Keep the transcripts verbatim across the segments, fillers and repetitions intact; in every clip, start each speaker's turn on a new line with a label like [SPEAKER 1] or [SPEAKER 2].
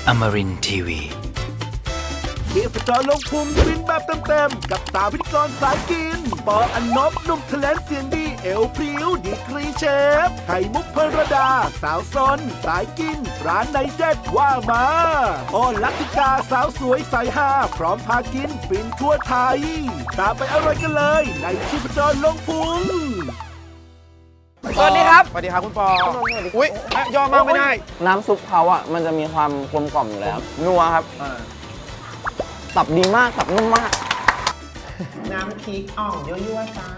[SPEAKER 1] Amarin ที วี
[SPEAKER 2] เทียบจอลงพุงฟินแบบเต็มๆกับสาวพิธีกรสายกินปออันนบหนุ่มทะเลนเสียงดีเอวพริ้วดีกรีเชฟไข่มุกพรดาสาวซนสายกินร้านไหนเด็ดว่ามาอ้อนลักติกาสาวสวยสายฮาพร้อมพากินฟินทั่วไทยตามไปอร่อยกันเลยในชีพจรลงพุง
[SPEAKER 3] สวัสดีครับ
[SPEAKER 4] สวัสดีครับคุณปออุ้ยยอมมากไม่ได้
[SPEAKER 3] น้ำซุปเขาอ่ะมันจะมีความกลมกล่อมอยู่แล้วนัวครับตับดีมากตับนุ่มมาก
[SPEAKER 4] น้ำพริกอ่องยั่วๆจ้า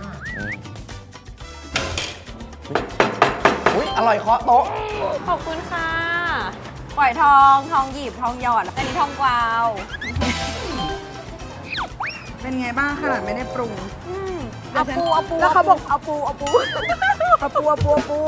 [SPEAKER 3] อุ้ยอร่อยเคาะโต๊ะ
[SPEAKER 5] ขอบคุณค่ะปล่อยทองทองหยิบทองหยอดแล้วอันนี้ทองกวาว
[SPEAKER 6] เป็นไงบ้างขนาดไม่ได้ปรุง
[SPEAKER 5] อืมเอาปูเอาปู
[SPEAKER 6] แล้วเขาบอกเอาปูเอาปูเอาปูเอาปูเอาปู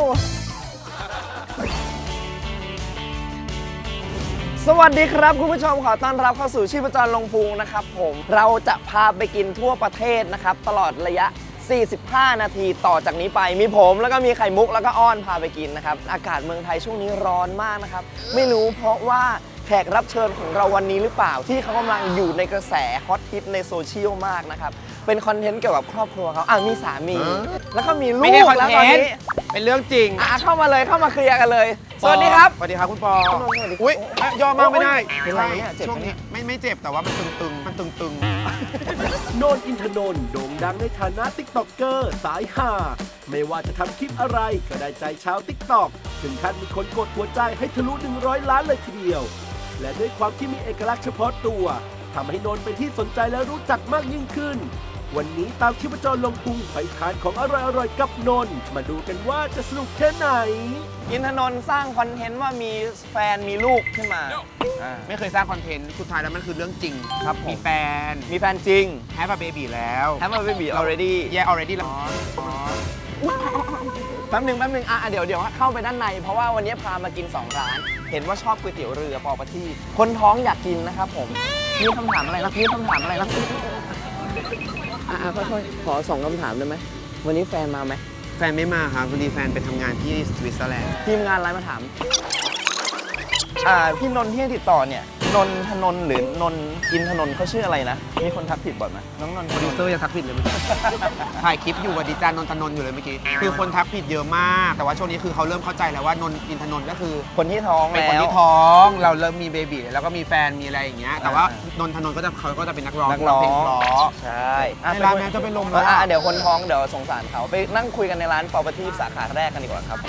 [SPEAKER 3] สวัสดีครับคุณผู้ชมขอต้อนรับเข้าสู่ชีพจรลงพุงนะครับผมเราจะพาไปกินทั่วประเทศนะครับตลอดระยะ สี่สิบห้า นาทีต่อจากนี้ไปมีผมแล้วก็มีไข่มุกแล้วก็อ้อนพาไปกินนะครับอากาศเมืองไทยช่วงนี้ร้อนมากนะครับไม่รู้เพราะว่าแขกรับเชิญของเราวันนี้หรือเปล่าที่เขากำลังอยู่ในกระแสฮอตฮิตในโซเชียลมากนะครับเป็นคอนเทนต์เกี่ยวกับครอบครัวเขาอ่ะมีสามีแล้วก็มีลู
[SPEAKER 4] ไม่ได้
[SPEAKER 3] ก
[SPEAKER 4] คอน
[SPEAKER 3] แล้ว
[SPEAKER 4] เท
[SPEAKER 3] ตอน
[SPEAKER 4] น
[SPEAKER 3] นี้
[SPEAKER 4] ต์เป็นเรื่องจริง
[SPEAKER 3] อ่ะเข้ามาเลยเข้ามาเคลียร์กันเลยสวัสดีครับ
[SPEAKER 4] สวัสดีครับคุณปอ
[SPEAKER 3] สวัสดีครับ
[SPEAKER 4] อุ้ยยอมมากไม่ได้
[SPEAKER 3] เป็นไรเนี่ยเจ็บไหม
[SPEAKER 4] ช่วงนี้ไม่ไม่เจ็บแต่ว่ามันตึงๆ มันตึง
[SPEAKER 2] โนนอินทนนท์โด่งดังในฐานะติ๊กต็อกเกอร์สายฮาไม่ว่าจะทำคลิปอะไรก็ได้ใจชาวติ๊กต็อกถึงขั้นมีคนกดหัวใจให้ทะลุหนึ่งร้อยล้านเลยทีเดียว และด้วยความที่มีเอกลักษณ์เฉพาะตัวทำให้นนท์เป็นที่สนใจและรู้จักมากยิ่งขึ้น วันนี้ตามชีพจรลงพุงไปทานของอร่อยๆกับนนท์มาดูกันว่าจะสนุกแค่ไหน
[SPEAKER 3] อินทนนท์สร้างคอนเทนต์ว่ามีแฟนมีลูกขึ้นมาอ่า
[SPEAKER 4] ๆ ไม่เคยสร้างคอนเทนต์ สุดท้ายแล้วมันคือเรื่องจริง
[SPEAKER 3] ครับผม
[SPEAKER 4] มีแฟน
[SPEAKER 3] มีแฟนจริง
[SPEAKER 4] แฮปปี้เบบีแล้ว
[SPEAKER 3] Have a baby already
[SPEAKER 4] แย่ already แล้ว
[SPEAKER 3] แป๊บหนึงแป๊บหนึงอ่ะเดี๋ยวเดี๋ยวเข้าไปด้านใน เพราะว่าวันนี้พามากินสองร้าน เห็นว่าชอบก๋วยเตี๋ยวเรือปอประทีปคนท้องอยากกินนะครับผมมีคำถามอะไรนะมีคำถามอะไรนะอ่ะอ่ะค่อยๆขอสองคำถามได้ไหมวันนี้แฟนมาไหม
[SPEAKER 4] แฟนไม่มาครับพอดีแฟนไปทำงานที่สวิตเซอร์แลนด์
[SPEAKER 3] ทีมงานไลน์มาถามอ่าพี่นนท์ที่ให้ติดต่อเนี่ยนนทนนท์หรือนนอินทนนท์เขาชื่ออะไรนะมีคนทักผิดบ่อยไหมน้องนนท์
[SPEAKER 4] โปรดิวเซอร์ยังทักผิดเลยเมื่อกี้ ถ่ายคลิปอยู่กับดิจานนนทนนท์อยู่เลยเมื่อกี้ คือคนทักผิดเยอะมาก แต่ว่าช่วงนี้คือเขาเริ่มเข้าใจแล้วว่านนท์อินทนนท์ก็คือ
[SPEAKER 3] คนที่ท้อง
[SPEAKER 4] เป็น
[SPEAKER 3] แล้ว
[SPEAKER 4] คนที่ท้อง เราเริ่มมีเบบีแล้วก็มีแฟนมีอะไรอย่างเงี้ย แต่ว่านนทนนท์ก็จะเขาก็จะเป็นนักร้อง
[SPEAKER 3] นักร้อง
[SPEAKER 4] เพลงเพราะ
[SPEAKER 3] ใช่อ่ะ
[SPEAKER 4] ในร้านแม่จะเป็นลมแล้ว
[SPEAKER 3] อ่ะเดี๋ยวคนท้องเดี๋ยวสงสารเขาไปนั่งคุยกันในร้านปอประทีปสาขาแรกกันดีกว่าครับ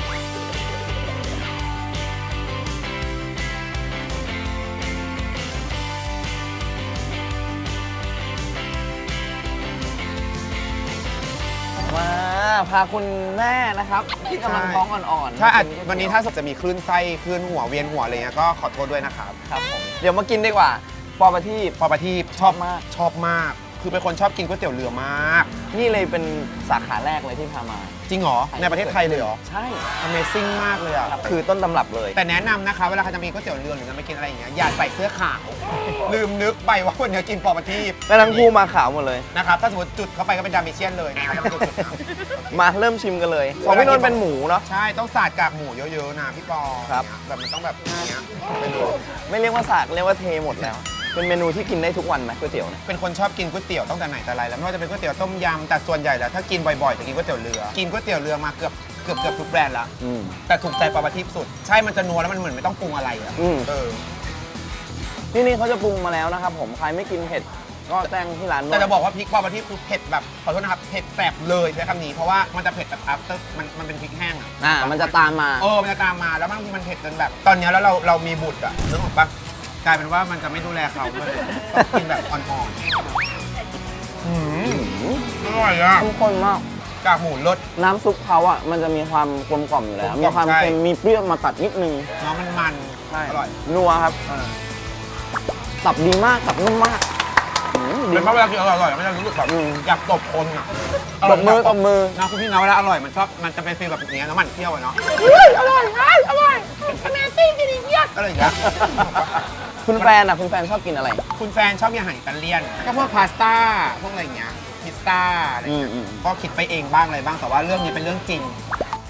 [SPEAKER 3] มาพาคุณแม่นะครับที่กำลังท้องอ่อนๆ
[SPEAKER 4] ถ้าอาจ
[SPEAKER 3] มกิ
[SPEAKER 4] วันนี้ถ้าจะมีคลื่นไส้คลื่นหัวเวียนหัวอะไรเงี้ยก็ขอโทษด้วยนะครับ
[SPEAKER 3] ครับผมเดี๋ยวมากินดีกว่าปอประทีป
[SPEAKER 4] พอประทีปชอบมากชอบมาก คือเป็นคนชอบกินก๋วยเตี๋ยวเรือมาก
[SPEAKER 3] นี่เลยเป็นสาขาแรกเลยที่พามา
[SPEAKER 4] จริงเหรอในประเทศไทยเลยเหรอ
[SPEAKER 3] ใช่
[SPEAKER 4] Amazing มากเลยอ่ะ
[SPEAKER 3] คือต้นตำรับเลย
[SPEAKER 4] แต่แนะนำนะคะเวลาใครจะมีก๋วยเตี๋ยวเรือหรือจะไปกินอะไรอย่างเงี้ยอย่าใส่เสื้อขาว ลืมนึกไปว่าวันนี้กินปอประทีป
[SPEAKER 3] แล้วทั้งคู่มาขาวหมดเลย
[SPEAKER 4] นะครับถ้าสมมติจุดเข้าไปก็เป็นดามิเชียนเลยนะครับแล้วก็จุดๆนะ
[SPEAKER 3] มาเริ่มชิมกันเลยของพี่นนท์เป็นหมูเนาะ
[SPEAKER 4] ใช่ต้องสาดกากหมูเยอะๆนะพี่ปอ
[SPEAKER 3] ครับ
[SPEAKER 4] แบบมันต้องแบบอย่างเงี้ยไปเลย
[SPEAKER 3] ไม่เรียกว่าสากเรียกว่าเทหมดแล้ว เป็นเมนูที่กินได้ทุกวันไหมก๋วยเตี๋ยวเนี่ย
[SPEAKER 4] เป็นคนชอบกินก๋วยเตี๋ยวตั้งแต่ไหนแต่ไรแล้วไม่ว่าจะเป็นก๋วยเตี๋ยวต้มยำแต่ส่วนใหญ่แล้วถ้ากินบ่อยๆจะกินก๋วยเตี๋ยวเรือกินก๋วยเตี๋ยวเรือมาเกือบเกือบเกือบทุกแบรนด์ละ
[SPEAKER 3] อืม
[SPEAKER 4] แต่ถูกใจปลาปลาทิพย์สุดใช่มันจะนัวแล้วมันเหมือนไม่ต้องปรุงอะไรอ่ะ
[SPEAKER 3] อืม
[SPEAKER 4] เออ
[SPEAKER 3] ที่นี่เขาจะปรุงมาแล้วนะครับผมใครไม่กินเผ็ดก็แจ้งที่ร้านด้วย
[SPEAKER 4] แต่จะบอกว่าพริกปลาปลาทิพย์คือเผ็ดแบบขอโทษนะครับเผ็ดแสบเลยใช้คำนี้เพราะว่ามันจะเผ็ดแบบ after มันมันเป็นพริกแห้งอ่ะ
[SPEAKER 3] อ่ามันจะตามมา
[SPEAKER 4] เออมันจะตามมาแล้วบางทีมันเผ็ดจนแบบ ตอนเนี้ยแล้วเราเรามีบุตรอ่ะนึกออกปะกลายเป็นว่ามันจะไม่ดูแลเขามันต้องกินแบบอ่อนๆอืมอร่อยอ่ะ
[SPEAKER 3] เข้มข้นมาก
[SPEAKER 4] กากหมูรส
[SPEAKER 3] น้ำซุปเขาอ่ะมันจะมีความกลมกล่อมอยู่แล้ว
[SPEAKER 4] กลมกล่
[SPEAKER 3] มี
[SPEAKER 4] อม
[SPEAKER 3] ความ
[SPEAKER 4] ใช่
[SPEAKER 3] เค็มมีเปรี้ยวมาตัดนิดนึง
[SPEAKER 4] เนาะมันมัน
[SPEAKER 3] ใช่
[SPEAKER 4] อร่อย
[SPEAKER 3] นัวครับตับดีมากตับนุ่มมากอืมดี
[SPEAKER 4] เป็นเพ
[SPEAKER 3] มาก
[SPEAKER 4] ราะเวลากินอร่อยๆมันจะรู้สึกแบบ
[SPEAKER 3] อืม
[SPEAKER 4] อยากตบคนอ่ะ
[SPEAKER 3] ตบมือตบมือ
[SPEAKER 4] นะคุณพี่นะเวลาอร่อยมันชอบมันจะเป็นฟีลแบบอย่างเงี้ยน้ำมันเที่ยวอะเนาะ
[SPEAKER 6] อร่อยอร่อยอเมซิ่งจริงๆ
[SPEAKER 4] อะไรอย่างเงี้ย
[SPEAKER 3] คุณแฟนอ่ะคุณแฟนชอบกินอะไร
[SPEAKER 4] คุณแฟนชอบกินอาหารอิตาเลียนก็พวกพาสต้าพวกอะไรอย่างเงี้ยพิซซ่าอะไรอย่างเงี้ย
[SPEAKER 3] อืมอืม
[SPEAKER 4] ก็คิดไปเองบ้างอะไรบ้างแต่ว่าเรื่องนี้เป็นเรื่องจริง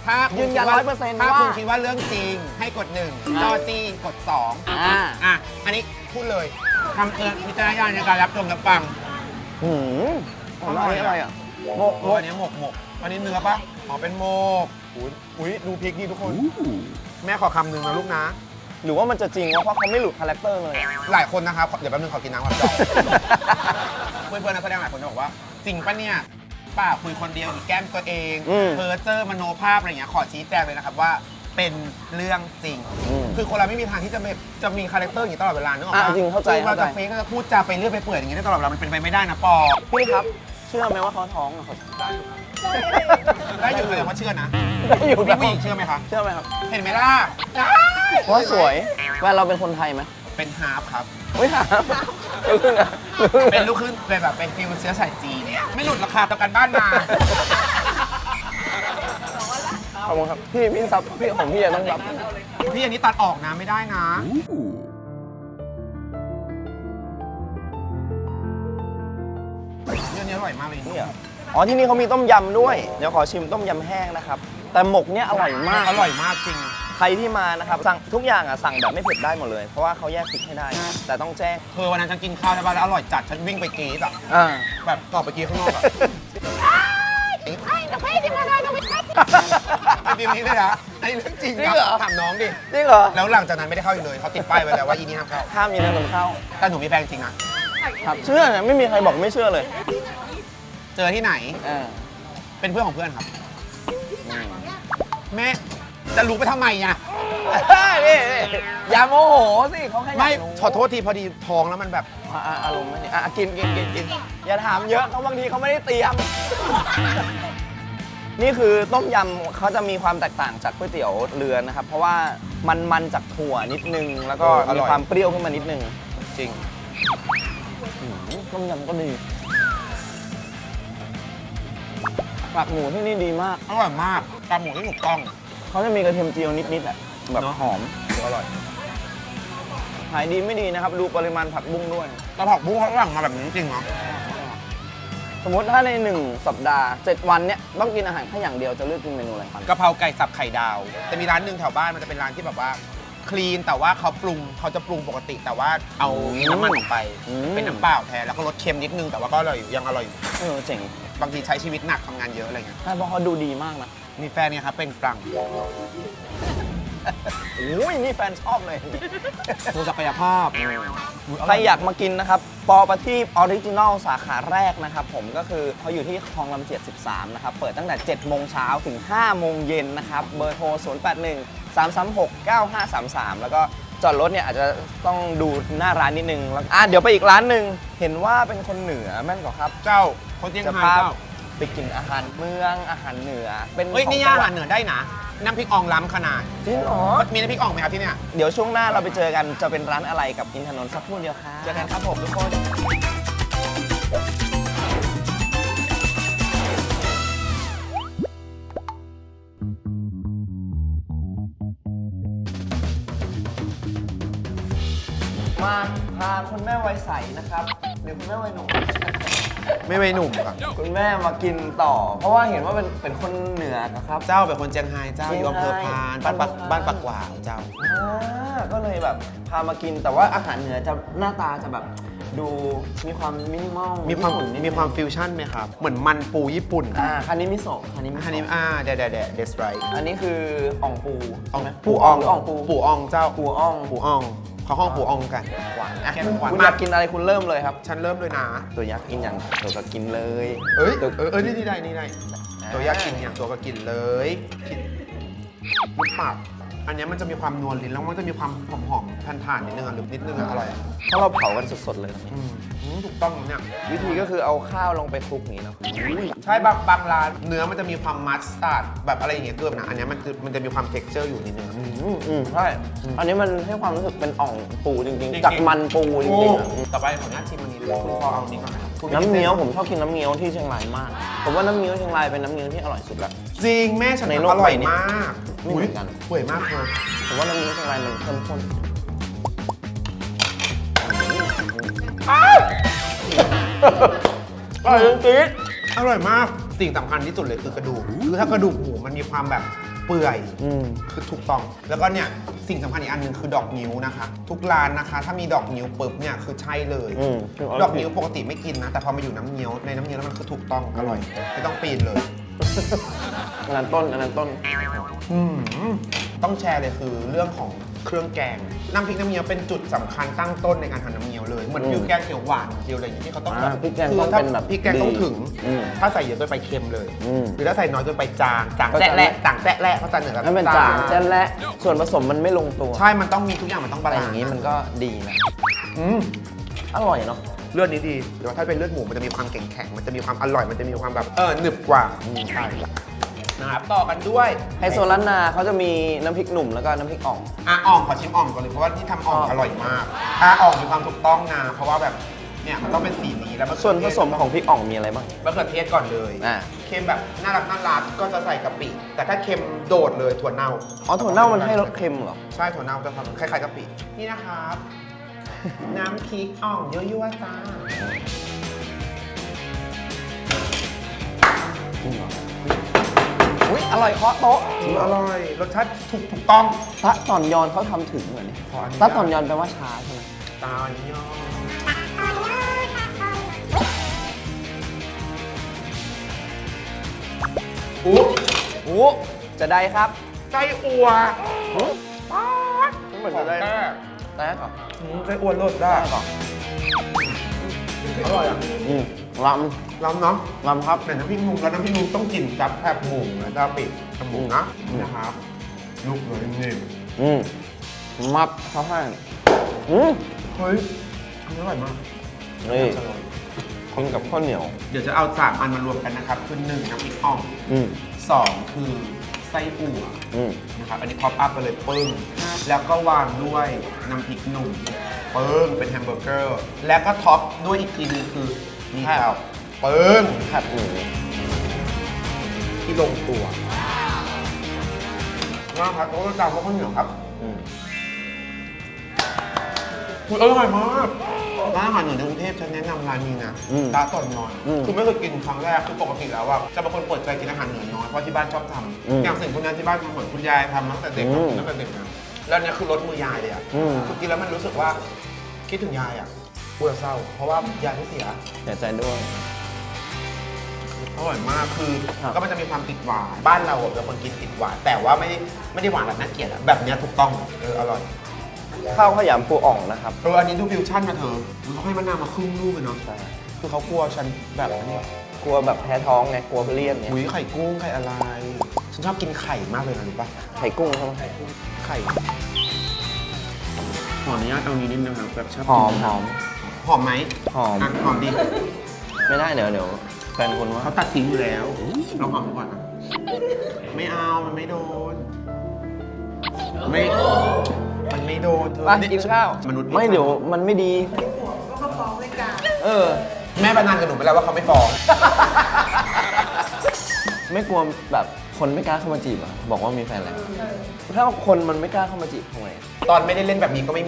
[SPEAKER 4] ถ้าคุณ
[SPEAKER 3] ยืนยัน
[SPEAKER 4] คิดว่า
[SPEAKER 3] ร้อยเปอร์เซ็นต์
[SPEAKER 4] ถ้า
[SPEAKER 3] ว่า
[SPEAKER 4] คุณคิดว่าเรื่องจริงให้กดหนึ่งจอจีกดสอง
[SPEAKER 3] อ่า
[SPEAKER 4] อ่ะอันนี้พูดเลยทำเกินวิจารณญาณในการรับชมรับฟัง
[SPEAKER 3] หืมอันนี้อะไรอ่ะโมกโม
[SPEAKER 4] โอ้
[SPEAKER 3] ก
[SPEAKER 4] อันนี้หมกหมกอันนี้เนื้อปะอ๋อเป็นหมกอุ้ยอุ้ยดูพริกนี่ทุกคน แม่ขอคำหนึ่งนะลูกนะ
[SPEAKER 3] หรือว่ามันจะจริงวะเพราะเขาไม่หลุดคาแรคเตอร์เลยอะ
[SPEAKER 4] หลายคนนะครับเดี๋ยวแป๊บนึงขอกินน้ำก่อน เพื่อนๆนักแสดงหลายคนจะบอกว่าจริงปะเนี่ยป้าคุยคนเดียวหรือแกล้มตัวเอง
[SPEAKER 3] อืม
[SPEAKER 4] เพอเจอร์มโนภาพอะไรอย่างเงี้ยขอชี้แจงเลยนะครับว่าเป็นเรื่องจริง
[SPEAKER 3] อืม
[SPEAKER 4] คือคนเราไม่มีทางที่จะไม่จะมีคาแรคเตอร์อย่างนี้ตลอดเวลานึกออก
[SPEAKER 3] อ่ะ
[SPEAKER 4] ปะ
[SPEAKER 3] จริงเข้าใจ
[SPEAKER 4] คือเรา
[SPEAKER 3] เข้าใจ
[SPEAKER 4] จะเฟกก็จะพูดจาไปเรื่อยไปเปื่อยอย่างนี้ได้ตลอดเวลามันเป็นไปไม่ได้นะปอ
[SPEAKER 3] พี่ครับ เชื่อไหมว่าเขาท้องอะครับ
[SPEAKER 4] ได้อยู่แสดงว่าเชื่อนะ
[SPEAKER 3] ได้อยู่
[SPEAKER 4] พี่ผู้หญิงเชื่อไหมคะ
[SPEAKER 3] เชื่อไหมครับ
[SPEAKER 4] เห็นไหมล่ะ
[SPEAKER 3] ว่าสวยแฟนเราเป็นคนไทยไหม
[SPEAKER 4] เป็นฮาร์ฟครับ
[SPEAKER 3] ไม่ถามลูกครึ่งอะ
[SPEAKER 4] เป็นลูกครึ่งเป็นแบบเป็นฟิลเชื้อสายจีนไม่หลุดราคาต่อกันบ้านมา
[SPEAKER 3] ขอบคุณครับพี่พี่ซับพี่ของพี่จะต้องรับ
[SPEAKER 4] พี่อันนี้ตัดออกนะไม่ได้นะ เรื่องนี้อร่อยมากเลย
[SPEAKER 3] นี่เหรออ๋อที่นี่เขามีต้มยำด้วยเดี๋ยวขอชิมต้มยำแห้งนะครับแต่หมกเนี่ยอร่อยมาก
[SPEAKER 4] อร่อยมากจริง
[SPEAKER 3] ใครที่มานะครับสั่งทุกอย่างอ่ะสั่งแบบไม่เผ็ดได้หมดเลย เพราะว่าเขาแยกพริกให้ได้ แต่ต้องแจ้ง
[SPEAKER 4] คือวันนั้นฉันกินข้าวใช่ป่ะแล้วอร่อยจัด ฉันวิ่งไปกรีดอ่ะ
[SPEAKER 3] อ่า
[SPEAKER 4] แบบกรอบไปกรีดข้างนอกอ่ะ
[SPEAKER 6] ไอ้ทำไมที่มาได้ก็ไม่ทัน
[SPEAKER 4] ไอ้บีมนี้เลยนะไอ้เรื่องจริง
[SPEAKER 3] จริงเหรอ
[SPEAKER 4] ถามน้องดิ
[SPEAKER 3] จริงเหรอ
[SPEAKER 4] แล้วหลังจากนั้นไม่ได้เข้าอีกเลยเขาติดป้ายไว้แล้วว่าอีนี่ห้ามเข้า
[SPEAKER 3] ห้ามมีเงินเข้า
[SPEAKER 4] แต่หนูมีแฟนจริงนะครับ
[SPEAKER 3] เชื่อเนี่ยไม่มีใครบอกไม่เชื่อเลย
[SPEAKER 4] เจอที่ไหน
[SPEAKER 3] อ่า
[SPEAKER 4] เป็นเพื่อนของเพื่อนครับ แม่จะรู้ไปทำไมอ่ะ
[SPEAKER 3] นี่นี่อย่าโมโหสิเขาแค่อยาก
[SPEAKER 4] ไม่
[SPEAKER 3] รู้
[SPEAKER 4] ขอโทษทีพอดีท้องแล้วมันแบบ
[SPEAKER 3] อ่ะอ่ะอารมณ์ไม่ดีอ่ะกินกินกินกินอย่าถามเยอะเขาบางทีเขาไม่ได้เตรียม นี่คือต้มยำเขาจะมีความแตกต่างจากก๋วยเตี๋ยวเรือนะครับ เพราะว่ามันมันจากถั่วนิดนึง แล้วก็มีความเปรี้ยวขึ้นมานิดนึง
[SPEAKER 4] จริง
[SPEAKER 3] อืมต้มยำก็ดีปากหมูที่นี่ดีมาก
[SPEAKER 4] อร่อยมากตามหมูที่ถูกต้อง
[SPEAKER 3] เขาจะมีกระเทียมเจียวนิดๆแหละแบบ
[SPEAKER 4] เนอะ
[SPEAKER 3] หอม
[SPEAKER 4] อร่อย
[SPEAKER 3] ขายดีไม่ดีนะครับ ดูปริมาณผักบุ้งด้วย
[SPEAKER 4] กระเพาะบุ้งเขาสั่งมาแบบนี้จริงเหรอ
[SPEAKER 3] สมมติถ้าในหนึ่งสัปดาห์เจ็ดวันเนี้ยต้องกินอาหารแค่อย่างเดียวจะเลือกกินเมนูอะไรครับ
[SPEAKER 4] กะเพราไก่สับไข่ดาวแต่มีร้านหนึ่งแถวบ้านมันจะเป็นร้านที่แบบว่าคลีนแต่ว่าเขาปรุงเขาจะปรุงปกติ แต่ว่าเอาน้ำมันออกไป
[SPEAKER 3] อืม
[SPEAKER 4] เป็นน้ำเปล่าแทนแล้วก็รสเค็มนิดนึงแต่ว่าก็อร่อยอยู่ยังอร่อยอยู่
[SPEAKER 3] เออเจ๋ง
[SPEAKER 4] บางทีใช้ชีวิตหนักทำงานเยอะอะไรเงี้ย
[SPEAKER 3] ใช่เพราะเขาดูดีมากนะ
[SPEAKER 4] มีแฟนเนี่ยครับเป็นปรัง
[SPEAKER 3] โอ้ยนี่แฟนชอบเลย
[SPEAKER 4] โชว์ศักยภาพ
[SPEAKER 3] ใครอยากมากินนะครับ ปอประทีปออริจินอลสาขาแรกนะครับผมก็คือเขาอยู่ที่คลองลำเจียดสิบสามนะครับ เปิดตั้งแต่เจ็ดโมงเช้าถึงห้าโมงเย็นนะครับ เบอร์โทร ศูนย์ แปด หนึ่ง สาม สาม หก เก้า ห้า สาม สาม แล้วก็จอดรถเนี่ยอาจจะต้องดูหน้าร้านนิดนึงแล้วอ่ะเดี๋ยวไปอีกร้านหนึ่งเห็นว่าเป็นคนเหนือแม่นกว่าครับ
[SPEAKER 4] เจ้าคนเจียง
[SPEAKER 3] จะ
[SPEAKER 4] ไฮ้
[SPEAKER 3] พา
[SPEAKER 4] เจ้า
[SPEAKER 3] ไปกินอาหารเมืองอาหารเหนือ เป็น
[SPEAKER 4] เฮ้ย
[SPEAKER 3] ของ
[SPEAKER 4] นี่
[SPEAKER 3] จั
[SPEAKER 4] ย่าง
[SPEAKER 3] ห
[SPEAKER 4] อา
[SPEAKER 3] วั
[SPEAKER 4] หา
[SPEAKER 3] ด
[SPEAKER 4] รเหนือได้นะน้ำพริกอ่องล้ำขนาด
[SPEAKER 3] จริงเหรอ
[SPEAKER 4] มีน้ำพริกอ่องไหมครับที่เนี่ย
[SPEAKER 3] เดี๋ยวช่วงหน้าเราไปเจอกันจะเป็นร้านอะไรกับอินทนนท์สักครู่เดียวครับ
[SPEAKER 4] เจอกันครับผมทุกคน
[SPEAKER 3] มาพาคุณแม่วัยใสนะครับหรือคุณแม่วัยหนุ่ม
[SPEAKER 4] ไม่ไม่หนุ่มครับ
[SPEAKER 3] คุณแม่มากินต่อ เพราะว่าเห็นว่าเป็นเป็นคนเหนือนะครับ
[SPEAKER 4] เจ้าเป็นคนเจียงไฮ้เจ้า
[SPEAKER 3] เจี
[SPEAKER 4] อย
[SPEAKER 3] งไฮ้
[SPEAKER 4] ยู่อำเภอพานบ้านปักบ้านปักหวาวเจ้า
[SPEAKER 3] อ่าก็เลยแบบพามากินแต่ว่าอาหารเหนือจะหน้าตาจะแบบดูมีความมินิมอล
[SPEAKER 4] มีความ
[SPEAKER 3] ญี่ปุ่นนิดนึง
[SPEAKER 4] มีความฟิวชั่นไหมครับ เหมือนมันปูญี่ปุ่น
[SPEAKER 3] อ่าคันนี้มิโซะคันนี้มิ
[SPEAKER 4] อันนี้
[SPEAKER 3] โซะ
[SPEAKER 4] อ่าเดดเดดเดดเดสไร
[SPEAKER 3] อันนี้คืออ่องปู
[SPEAKER 4] อ่อง
[SPEAKER 3] ใช่ไหม
[SPEAKER 4] ปูอ่อง
[SPEAKER 3] หรืออ่องปู
[SPEAKER 4] ปูอ่องเจ้า
[SPEAKER 3] ปูอ่อง
[SPEAKER 4] ปูอ่องเขาห้องปูอ่องกัน
[SPEAKER 3] หวานอ่ะ
[SPEAKER 4] แกงหวาน
[SPEAKER 3] คุณ
[SPEAKER 4] มาก
[SPEAKER 3] อยากกินอะไรคุณเริ่มเลยครับ
[SPEAKER 4] ฉันเริ่มเลยนะ
[SPEAKER 3] ตัวยักษ์กินอย่างตัวก็กินเลย
[SPEAKER 4] เอ้ย
[SPEAKER 3] ตัว
[SPEAKER 4] เออเออนี่นี่ได้นี่ได้
[SPEAKER 3] อ่า
[SPEAKER 4] ตัวอยากกินอย่างตัวก็กินเลยกินลูกปากอันเนี้ยมันจะมีความนวลลิ้นแล้วมันจะมีความหอมหอมๆทานๆนิดนึงอ่ะหรือนิดนึงอ่ะอร่อยอ่ะ
[SPEAKER 3] เพราะเราเผากันสดๆเลยนะ
[SPEAKER 4] อืมอืมถูกต้องเนี่ย
[SPEAKER 3] วิธีก็คือเอาข้าวลงไปคลุกอย่างนี้เนาะ
[SPEAKER 4] ใช่บางบางร้านเนื้อมันจะมีความมัสตาร์ดแบบอะไรอย่างเงี้ยเกินนะอันเนี้ยมันคือมันจะมีความเท็กเจอร์อยู่นิดนึง
[SPEAKER 3] อืมอืมใช่ อันนี้มันให้ความรู้สึกเป็นอ่องปูจริง
[SPEAKER 4] จริง
[SPEAKER 3] ๆ
[SPEAKER 4] ๆ
[SPEAKER 3] จากมันปูจริงๆอะ
[SPEAKER 4] ต่อไปขออนุญาตชิมอันนี้เลยคุณพอเอาอันนี้ก่อนนะครับคุณ
[SPEAKER 3] น้ำเงี้ยวผมชอบกินน้ำเงี้ยวที่เชียงรายมาก ผมว่าน้ำเงี้ยวเชียงรายเป็นน้ำเงี้ยวที่อร่อยสุดละ
[SPEAKER 4] จริงแม่ฉัน
[SPEAKER 3] ในโลก
[SPEAKER 4] อร่อย
[SPEAKER 3] ใบนี้
[SPEAKER 4] มาก
[SPEAKER 3] ไม่เหมือนกัน
[SPEAKER 4] เปื่อยมากเลย
[SPEAKER 3] ผมว่าน้ำเงี้ยวเชียงรายมันเข้มข้นอร่อยจริง
[SPEAKER 4] อร่อยมากสิ่งสำคัญที่สุดเลยคือกระดูกคือถ้ากระดูกหมูมันมีความแบบเปื่อย
[SPEAKER 3] อืม
[SPEAKER 4] คือถูกต้อง แล้วก็เนี่ยสิ่งสำคัญอีกอันหนึงคือดอกนิ้วนะคะ ทุกร้านนะคะ ถ้ามีดอกนิ้วปุ๊บเนี่ยคือใช่เลย
[SPEAKER 3] อืม
[SPEAKER 4] ดอกนิ้วปกติไม่กินนะ แต่พอมาอยู่น้ำเงี้ยวในน้ำเงี้ยวแล้วมันคือถูกต้องอร่อยไม่ต้องปีนเลย
[SPEAKER 3] อันนั้นต้นอันนั้นต้น
[SPEAKER 4] อืมต้องแชร์เลยคือเรื่องของเครื่องแกงน้ำพริกน้ำเงี้ยวเป็นจุดสำคัญตั้งต้นในการทำน้ำเงี้ยวเลยเหมือน
[SPEAKER 3] อืม
[SPEAKER 4] ฟิวแกงเขียวหวานเดียวอะไรอย่างนี้ที่เขาต้อง
[SPEAKER 3] อ่า
[SPEAKER 4] แบบ
[SPEAKER 3] พริกแกง
[SPEAKER 4] คื
[SPEAKER 3] ต้อง
[SPEAKER 4] ถ้า
[SPEAKER 3] เป็นแบบ
[SPEAKER 4] พริกแกงต้องถึง
[SPEAKER 3] อืม
[SPEAKER 4] ถ้าใส่เยอะเกินไปเค็มเลย
[SPEAKER 3] อืม
[SPEAKER 4] หรือถ้าใส่น้อยเกินไปจางจาง
[SPEAKER 3] ก็จะ
[SPEAKER 4] แจ๊ะแหละจางแจ๊ะแหละเขาจะเหนือกับ
[SPEAKER 3] นั่นเป็นจางแจ้นและส่วนผสมมันไม่ลงตัว
[SPEAKER 4] ใช่มันต้องมีทุกอย่างมันต้องบา
[SPEAKER 3] แต่อ
[SPEAKER 4] ลาน
[SPEAKER 3] ย่าง
[SPEAKER 4] ซ์
[SPEAKER 3] นี้มันก็ดีนะ
[SPEAKER 4] อืม
[SPEAKER 3] อร่อยเนาะ
[SPEAKER 4] เลือดนี้ดีเดี๋ยวถ้าเป็นเลือดหมูมันจะมีความแข็งๆมันจะมีความอร่อยมันจะมีความแบบเออหนึบกว่าใช่นะครับต่อกันด้วย
[SPEAKER 3] ไฮโซล้านนาเขาจะมีน้ำพริกหนุ่มแล้วก็น้ำพริกอ่อง
[SPEAKER 4] อ่ะอ่องขอชิมอ่องก่อนเลยเพราะว่าที่ทำอ่อง
[SPEAKER 3] อ่อง
[SPEAKER 4] อร่อยมากอ่ะอ่องมีความถูกต้องนะเพราะว่าแบบเนี่ยมันต้องเป็นสีนี้แล้วมะเขื
[SPEAKER 3] ส่วน
[SPEAKER 4] อเท
[SPEAKER 3] ผ
[SPEAKER 4] ศ
[SPEAKER 3] สมของพริกอ่องมีอะไรบ้าง
[SPEAKER 4] มะเขือเทศก่อนเลย
[SPEAKER 3] อ่า
[SPEAKER 4] เค็มแบบน่ารักน่ารักก็จะใส่กะปิแต่ถ้าเค็มโดดเลยถั่วเน่า
[SPEAKER 3] อ๋อถั่วเน่ามันให้รสเค็มเหรอ
[SPEAKER 4] ใช่ถั่วเน่าจะทำคล้ายๆกะปินี่นะครับ น้ำพริกอ่องยั่วๆจ้า
[SPEAKER 3] อุ้ยอร่อยเคาะโต๊ะ
[SPEAKER 4] อร่อยรสชาติถูกถูกต้อง
[SPEAKER 3] ตะตอนยอนเขาทำถึงเหมือนนี่
[SPEAKER 4] ขออนุญาต
[SPEAKER 3] ตะตอนยอนแปลว่าช้าใช่ไหม
[SPEAKER 4] ตาลยออุ๊บ
[SPEAKER 3] โอ้จะได้ครับ
[SPEAKER 4] ไส้อั่ว
[SPEAKER 3] ป๊าดเหมือนจะได้
[SPEAKER 4] แท้
[SPEAKER 3] แต้ก่อน
[SPEAKER 4] อืมไส้อั่วรสได้
[SPEAKER 3] แต้ก่อน
[SPEAKER 4] อร่อยอ่ะ
[SPEAKER 3] อืมล
[SPEAKER 4] ล้ำเนาะ
[SPEAKER 3] ำลำครับ
[SPEAKER 4] แต่น้ำพริกหนุ่มแล้วน้ำพริกหนุ่มต้องกินกับแคบหมูนะจ๊ะปิดกับหมูนะ
[SPEAKER 3] อืม
[SPEAKER 4] นะครับลูกเลยนิ่ม
[SPEAKER 3] อืมมับเขาให้อืม
[SPEAKER 4] ๆเฮ้ยอันนี้อร่อยมาก
[SPEAKER 3] นี่กินกับข้าวเหนียว
[SPEAKER 4] เดี๋ยวจะเอาสามอันมารวมกันนะครับคือหนึ่งน้ำพริกอ่อง
[SPEAKER 3] อืม
[SPEAKER 4] สองคือไส้อั่ว
[SPEAKER 3] อืม
[SPEAKER 4] นะครับอันนี้พ็อปอัพไปเลยปึ้งแล้วก็วางด้วยน้ำพริกหนุ่มปึ้งเป็นแฮมเบอร์เกอร์ แล้วก็ท็อปด้วยอีกทีนึงคือมีแก้วปึ้ง
[SPEAKER 3] ผัดหมู
[SPEAKER 4] ที่ลงตัวมากครับโต๊ะจานข้าวเหนียวครับ
[SPEAKER 3] อืม
[SPEAKER 4] คืออร่อยมากร้านอาหารเหนือในกรุงเทพฉันแนะนำร้านนี้นะ
[SPEAKER 3] อืม
[SPEAKER 4] ตาต่อนนอน
[SPEAKER 3] อืม
[SPEAKER 4] คือไม่เคยกินครั้งแรกคือปกติแล้วอะจะเป็นคนเปิดใจกินอาหารเหนือน้อยเพราะที่บ้านชอบท
[SPEAKER 3] อืม
[SPEAKER 4] ำอย่างสิ่งพวกนั้นที่บ้านทำเหมือนคุณยายทำตั้งแต่เด็ก
[SPEAKER 3] อืม
[SPEAKER 4] ตั้งแต่เด็กนะแล้วเนี่ยคือรสมือยายเลยอะ
[SPEAKER 3] อืม
[SPEAKER 4] คือกินแล้วมันรู้สึกว่าคิดถึงยายอะปวดเศร้า เพราะว่ายายไม่เสีย
[SPEAKER 3] เสียใจด้วย
[SPEAKER 4] อร่อยมากคือ
[SPEAKER 3] ครับ
[SPEAKER 4] ก็มันจะมีความติดหวานบ้านเราอะเป็นคนกินติดหวานแต่ว่าไม่ได้ไม่ได้หวานแบบน่าเกลียดอะแบบเนี้ยถูกต้องเอออร่อย
[SPEAKER 3] ข้าวขยำปูอ่องนะครับ
[SPEAKER 4] เอออันนี้ดูฟิวชั่นมาเธอเขาให้มะนาวมาครึ่งลูกเลยเนาะ
[SPEAKER 3] ใช่
[SPEAKER 4] คือเขากลัวฉันแบบนี้
[SPEAKER 3] กลัวแบบแพ้ท้องไง กลัวเลี่ยนเนี่ย
[SPEAKER 4] อุ้ยไข่กุ้งไข่อะไร ฉันชอบกินไข่มากเลยนะรู้ปะ
[SPEAKER 3] ไข่กุ้งใช่ไหม
[SPEAKER 4] ไข่ขออนุญาตเอานี้นิดนึงครับแบบชอบ
[SPEAKER 3] หอม
[SPEAKER 4] กิน
[SPEAKER 3] หอม
[SPEAKER 4] หอมไหม
[SPEAKER 3] หอม
[SPEAKER 4] อ่ะหอมดิ
[SPEAKER 3] ไม่ได้เดี๋ยวเดี๋ยวแฟนคุณว่า
[SPEAKER 4] เขาตัดทิ้งอยู่แล้วลองหอมดูก่อนนะไม่เอามันไม่โดน ไม่มันไม่โดนเธอ
[SPEAKER 3] ไปกินข้าว
[SPEAKER 4] มนุษย์
[SPEAKER 3] ไม่เดี๋ยวมันไม่ดี เออ
[SPEAKER 4] แม่ประนานกับหนูไปแล้วว่าเขาไม่ฟ้อง
[SPEAKER 3] ไม่กลัวแบบคนไม่กล้าเข้ามาจีบเหรอ่ะบอกว่ามีแฟนแล้วถ้าคนมันไม่กล้าเข้ามาจีบทำไง
[SPEAKER 4] ตอนไม่ได้เล่นแบบนี้ก็ไม่มี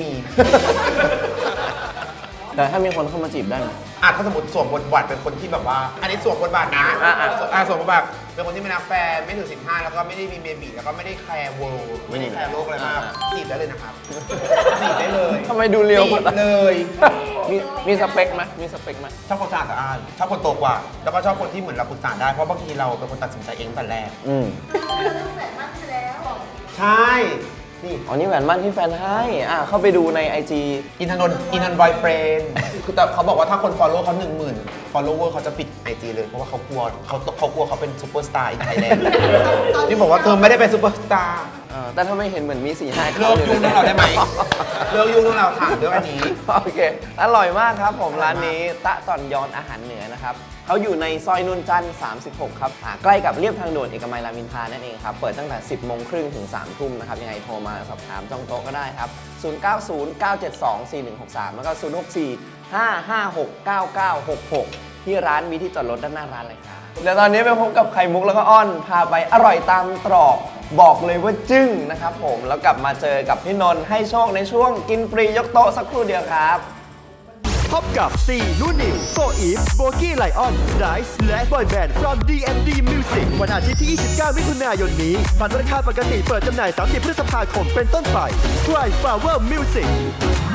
[SPEAKER 3] แต่ถ้ามีคนเข้ามาจีบได้ไหม
[SPEAKER 4] อ่ะถ้าสมมติสวมบทบาทเป็นคนที่แบบว่า อันนี้สวมบทบาทนะ
[SPEAKER 3] อ่ะอ่ะ
[SPEAKER 4] อ่ะสวมบทบาทเป็นคนที่ไม่รักแฟนไม่ถึงสิบห้าแล้วก็ไม่ได้มีเบบีแล้วก็ไม่ได้แคร์เวิลด์ไม่ได้แคร์โลกอะไรมากจีบได้เลยนะครับจีบได้เลย
[SPEAKER 3] ทำไมดูเรียว
[SPEAKER 4] จีบเลย
[SPEAKER 3] มีมีสเปคไหมมีสเปคไหม
[SPEAKER 4] ชอบคนสะอาดสะอ้านชอบคนโตกว่า แล้วก็ชอบคนที่เหมือนเราปรึกษาได้เพราะบางทีเราเป็นคนตัดสินใจเองแต่แรก
[SPEAKER 3] อืม
[SPEAKER 4] ใช่นี่
[SPEAKER 3] อ๋อนี่แหวนมั่นที่แฟนให้ อ่ะเข้าไปดูใน ไอ จี
[SPEAKER 4] อินทนนท์อินทนนท์บอยเฟรนด์คือแต่เขาบอกว่าถ้าคน follow เขาหนึ่งหมื่น follower เขาจะปิดไอจีเลยเพราะว่าเขากลัวเขาเขากลัวเขาเป็นซูเปอร์สตาร์อีกไทยแลนด์นี่บอกว่าเธอไม่ได้เป็นซูเปอร์สตาร์
[SPEAKER 3] เออแต่ถ้าไม่เห็นเหมือนมีสี่ห้า
[SPEAKER 4] เลิกยุ่งเรื่องเราได้ไหมเลิกยุ่งเรื่องเราถามเรื่องอันนี้
[SPEAKER 3] โอเค อร่อยมากครับผมร้านนี้ตะต่อนยอนอาหารเหนือนะครับเขาอยู่ในซอยนนจันทร์สามสิบหกครับอ่าใกล้กับเรียบทางด่วนเอกมัยรามอินทรานั่นเองครับ เปิดตั้งแต่ สิบโมงครึ่งถึง สามทุ่มนะครับ ยังไงโทรมาสอบถามจองโต๊ะก็ได้ครับ ศูนย์ เก้า ศูนย์ เก้า เจ็ด สอง สี่ หนึ่ง หก สาม แล้วก็ ศูนย์ หก สี่ ห้า ห้า หก เก้า เก้า หก หก ที่ร้านมีที่จอดรถด้านหน้าร้านเลยครับเดี๋ยวตอนนี้ไปพบกับไข่มุกแล้วก็อ้อน พาไปอร่อยตามตรอกบอกเลยว่าจึ้งนะครับผมแล้วกลับมาเจอกับพี่นนท์ให้โชคในช่วงกินฟรียกโต๊ะสักครู่เดียวครับ
[SPEAKER 1] พบกับซีนูนิวโฟอีฟโบกี้ไลออนไดส์และบอยแบนด์ from ดี เอ็ม ดี Music วันอาทิตย์ที่ ยี่สิบเก้า มิถุนายนนี้บัตรราคาปกติเปิดจำหน่าย สามสิบ พฤษภาคมเป็นต้นไป Cry Flower Music